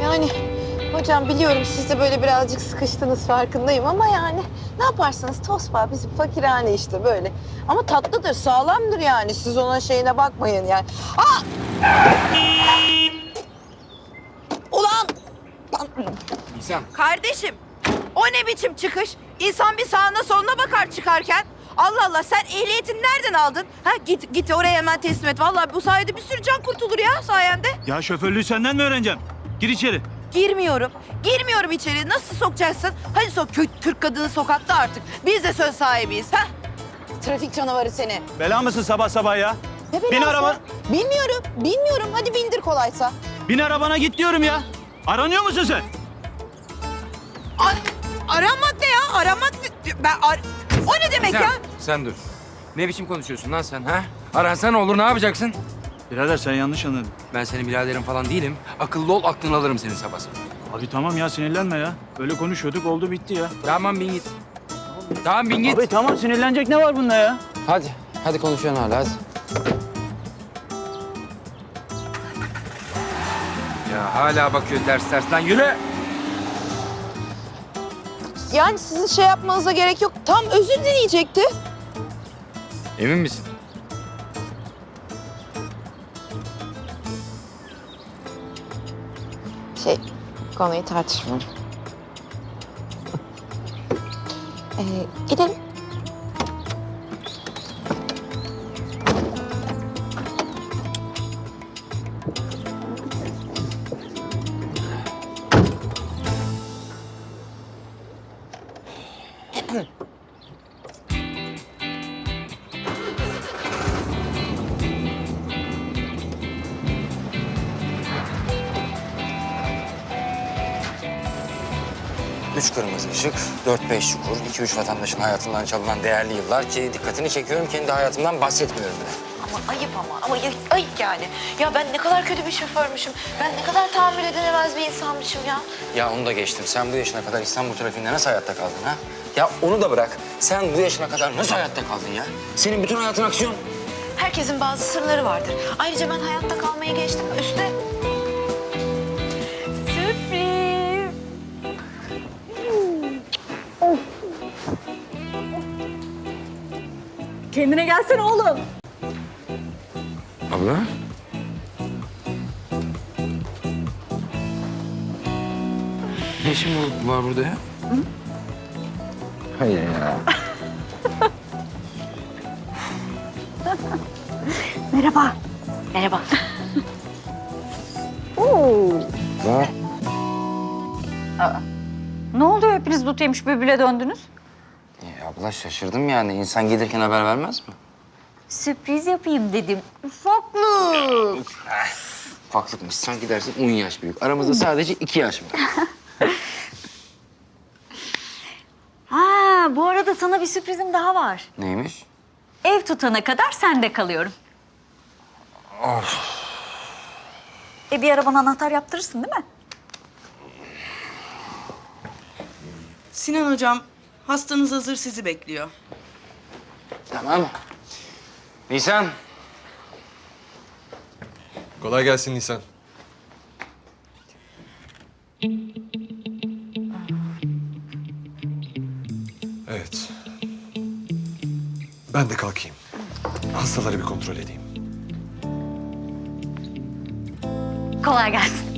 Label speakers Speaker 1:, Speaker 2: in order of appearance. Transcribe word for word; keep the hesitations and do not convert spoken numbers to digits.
Speaker 1: Yani hocam biliyorum siz de böyle birazcık sıkıştınız farkındayım ama yani ne yaparsınız tosba bizim fakirhane işte böyle. Ama tatlıdır, sağlamdır yani. Siz ona şeyine bakmayın yani. Aa! Ulan!
Speaker 2: Nisan.
Speaker 1: Kardeşim, o ne biçim çıkış? İnsan bir sağına soluna bakar çıkarken. Allah Allah, sen ehliyetini nereden aldın? Ha git git oraya hemen teslim et. Vallahi bu sayede bir sürü can kurtulur ya sayende.
Speaker 3: Ya şoförlüğü senden mi öğreneceğim? Gir içeri.
Speaker 1: Girmiyorum. Girmiyorum içeri. Nasıl sokacaksın? Hadi sok. Kö- Türk kadını sokakta artık. Biz de söz sahibiyiz. Ha? Trafik canavarı seni.
Speaker 3: Bela mısın sabah sabah ya?
Speaker 1: Ne
Speaker 3: Bin
Speaker 1: belası?
Speaker 3: araba.
Speaker 1: Bilmiyorum. Bilmiyorum. Hadi bindir kolaysa.
Speaker 3: Bin arabana git diyorum ya. Aranıyor musun sen?
Speaker 1: A- aramak ne ya? Aramak ne? Ben ar- o ne demek
Speaker 2: Sen,
Speaker 1: ya?
Speaker 2: sen dur. Ne biçim konuşuyorsun lan sen ha? Aransan olur ne yapacaksın?
Speaker 3: Birader sen yanlış anladın.
Speaker 2: Ben senin biraderin falan değilim. Akıllı ol aklını alırım senin sabah sabah.
Speaker 3: Abi tamam ya sinirlenme ya. Böyle konuşuyorduk oldu bitti ya.
Speaker 2: Tamam bin git. Tamam bin git.
Speaker 3: Abi tamam sinirlenecek ne var bunda ya?
Speaker 2: Hadi. Hadi konuşuyorsun hala hadi. Ya hala bakıyor ters ters lan yürü.
Speaker 1: Yani sizin şey yapmanıza gerek yok. Tam özür dileyecekti.
Speaker 2: Emin misin?
Speaker 1: Şey, konuyu tartışmıyorum. Ee, gidelim.
Speaker 2: Üç kırmızı ışık, dört beş çukur, iki üç vatandaşın hayatından çalınan değerli yıllar ki dikkatini çekiyorum kendi hayatımdan bahsetmiyorum bile.
Speaker 1: Ama ayıp ama. Ama ayıp, ayıp yani. Ya ben ne kadar kötü bir şoförmüşüm. Ben ne kadar tahammül edilemez bir insanmışım ya.
Speaker 2: Ya onu da geçtim. Sen bu yaşına kadar İstanbul trafiğinde nasıl hayatta kaldın ha? Ya onu da bırak. Sen bu yaşına kadar nasıl hayatta kaldın ya? Senin bütün hayatın aksiyon.
Speaker 1: Herkesin bazı sırları vardır. Ayrıca ben hayatta kalmayı geçtim. Üste... Sürpriz.
Speaker 4: Kendine gelsene oğlum.
Speaker 2: Abla? Ne işin bu- var burada ya? Hı? Hayır ya.
Speaker 4: Merhaba.
Speaker 1: Merhaba.
Speaker 2: Var.
Speaker 4: Ne oluyor hepiniz dut yemiş bülbüle döndünüz?
Speaker 2: Ya abla şaşırdım yani. İnsan gelirken haber vermez mi?
Speaker 4: Sürpriz yapayım dedim. Ufaklık.
Speaker 2: Ufaklıkmış. Sen gidersin on yaş büyük. Aramızda sadece iki yaş var.
Speaker 4: Ha, bu arada sana bir sürprizim daha var.
Speaker 2: Neymiş?
Speaker 4: Ev tutana kadar sende kalıyorum.
Speaker 2: Of.
Speaker 4: E bir ara bana anahtar yaptırırsın değil mi?
Speaker 5: Sinan hocam, hastanız hazır sizi bekliyor.
Speaker 2: Tamam. Nisan.
Speaker 6: Kolay gelsin Nisan. Evet. Ben de kalkayım. Hastaları bir kontrol edeyim.
Speaker 4: Kolay gelsin.